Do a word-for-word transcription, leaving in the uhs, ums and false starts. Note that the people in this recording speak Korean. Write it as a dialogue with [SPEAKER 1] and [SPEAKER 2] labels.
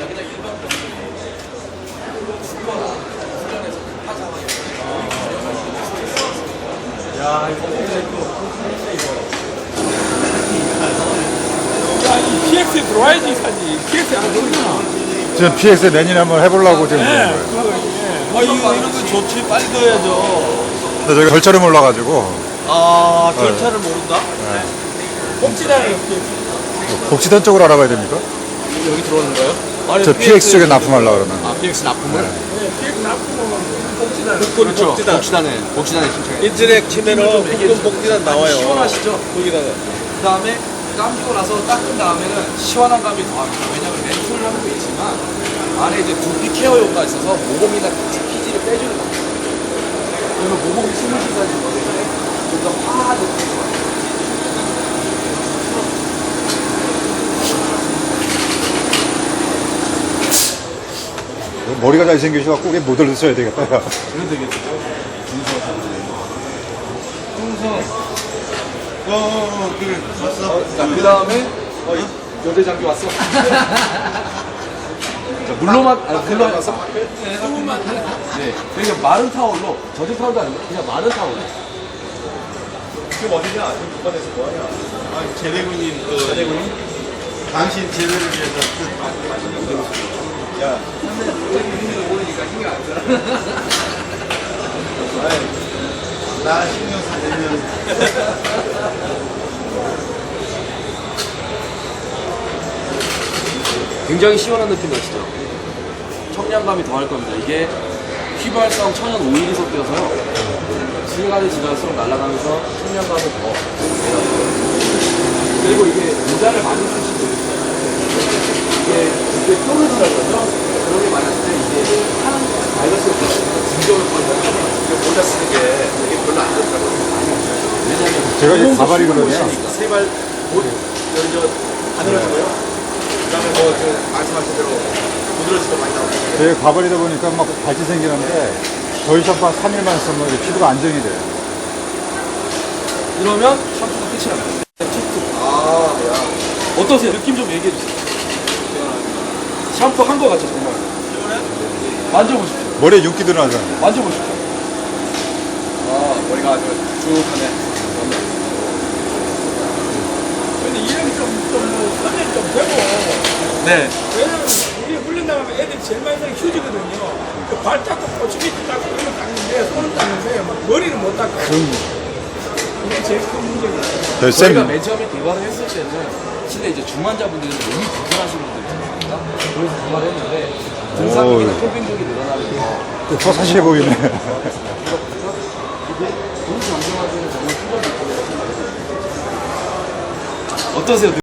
[SPEAKER 1] 그냥 일반 병원이 훈련에서 하자마자
[SPEAKER 2] 야, 이거 야, 이 피엑스에 들어와야지 사지. 피엑스에 안 들어오잖아.
[SPEAKER 3] 지금 피엑스 내년에 한번 해보려고 지금 그런
[SPEAKER 2] 네,
[SPEAKER 3] 거예요.
[SPEAKER 2] 그거, 예. 아, 이거, 이런 거 좋지. 빨리 넣어야죠.
[SPEAKER 3] 근데 저희가 절차를 몰라가지고
[SPEAKER 2] 아, 절차를 모른다? 복지단에
[SPEAKER 3] 복지단 쪽으로 알아봐야 됩니까?
[SPEAKER 1] 여기 들어오는 거예요?
[SPEAKER 2] 아니,
[SPEAKER 3] 저 피엑스 쪽에 납품하려고 그러면.
[SPEAKER 1] 아, 피엑스 납품을?
[SPEAKER 2] 네, 피엑스 납품하면 복지단.
[SPEAKER 1] 그렇죠. 복지단. 복지단에, 복지단에 신청해.
[SPEAKER 4] 인터넷 치면은 국군 복지단 나와요.
[SPEAKER 1] 시원하시죠?
[SPEAKER 4] 거기다가
[SPEAKER 1] 그 다음에 감기고 나서 닦은 다음에는 시원한 감이 더합니다. 왜냐면 멘톨향도 있지만 안에 이제 두피 케어 효과가 있어서 모공이나 피지를 빼주는 겁니다. 그래서 모공이 숨을 쉬다지 못해 좀더 화하게 돼요.
[SPEAKER 3] 머리가 잘생기셔갖고 그게 모델로 써야 되겠다.
[SPEAKER 1] 그래도 되겠죠. 중성.
[SPEAKER 4] 어, 어, 그래 왔어.
[SPEAKER 1] 자, 그 다음에 여대 장비 왔어. 자, 물로만, 아, 물로만 왔어? 네, 물만. 네. 그러니까 마른 타올로, 젖은 타올도 아니고 그냥 마른 타올로.
[SPEAKER 4] 지금 어디냐? 지금 북한에서 뭐하냐? 아, 제대군님 그 제대군님? 당신 제대를 위해서 야,
[SPEAKER 1] 모르니까 신경 안 써.
[SPEAKER 4] 나 신경 쓰면
[SPEAKER 1] 굉장히 시원한 느낌 나시죠? 청량감이 더할 겁니다. 이게 휘발성 천연 오일이 섞여서요. 시간이 지날수록 날아가면서 청량감을 더 내요. 그리고 이게 모자를 많이 쓰시고 이게 이게 뾰루지라고 그러죠? 그런 게 많았을 때 이게 하는 바이러스가 진정을 거의 모자 쓰는 게 되게 별로 안 좋더라고요. 왜냐면
[SPEAKER 3] 제가 이 가발이거든요.
[SPEAKER 4] 세발 옷 여기 저 바늘어지고요. 그다음에 뭐저 말씀하신 대로 부드러지도 많이 나오고.
[SPEAKER 3] 제 가발이다 보니까 막 발치 생기는데 저희 샴푸 한 삼 일만 쓰면 이제 피부가 안정이 돼요.
[SPEAKER 1] 이러면 샴푸가 끝이 납니다.
[SPEAKER 4] 아, 야.
[SPEAKER 1] 어떠세요? 느낌 좀 얘기해 주세요. 샴푸 한 거 같죠, 정말. 만져보십시오.
[SPEAKER 3] 머리에 윤기 드러나잖아요.
[SPEAKER 1] 만져보십시오. 아, 머리가 아주 쭉하네.
[SPEAKER 2] 근데 이름이 좀, 좀, 뭐, 선택 좀 되고.
[SPEAKER 1] 네.
[SPEAKER 2] 왜냐면 우리 훈련 나가면 애들이 제일 많이 쓰는 휴지거든요. 그 발 닦고 꼬치미도 닦고 이런 거 닦는데 손은 닦는데 막 머리는 못 닦고. 이게 제일 큰 문제예요.
[SPEAKER 3] 저희
[SPEAKER 1] 저희가
[SPEAKER 3] 쌤,
[SPEAKER 1] 맨 처음에 개발을 했을 때는 실내 이제 중환자분들이 몸이 불편하신 분들 있잖아요. 그래서 개발을 했는데 등산객이나
[SPEAKER 3] 오.
[SPEAKER 1] 캠핑족이 늘어나면서
[SPEAKER 3] 더 사시해 보이네.
[SPEAKER 1] 이게 몸 정정하기는 정말 필요한 느낌이라고 생각해요. 어떠세요?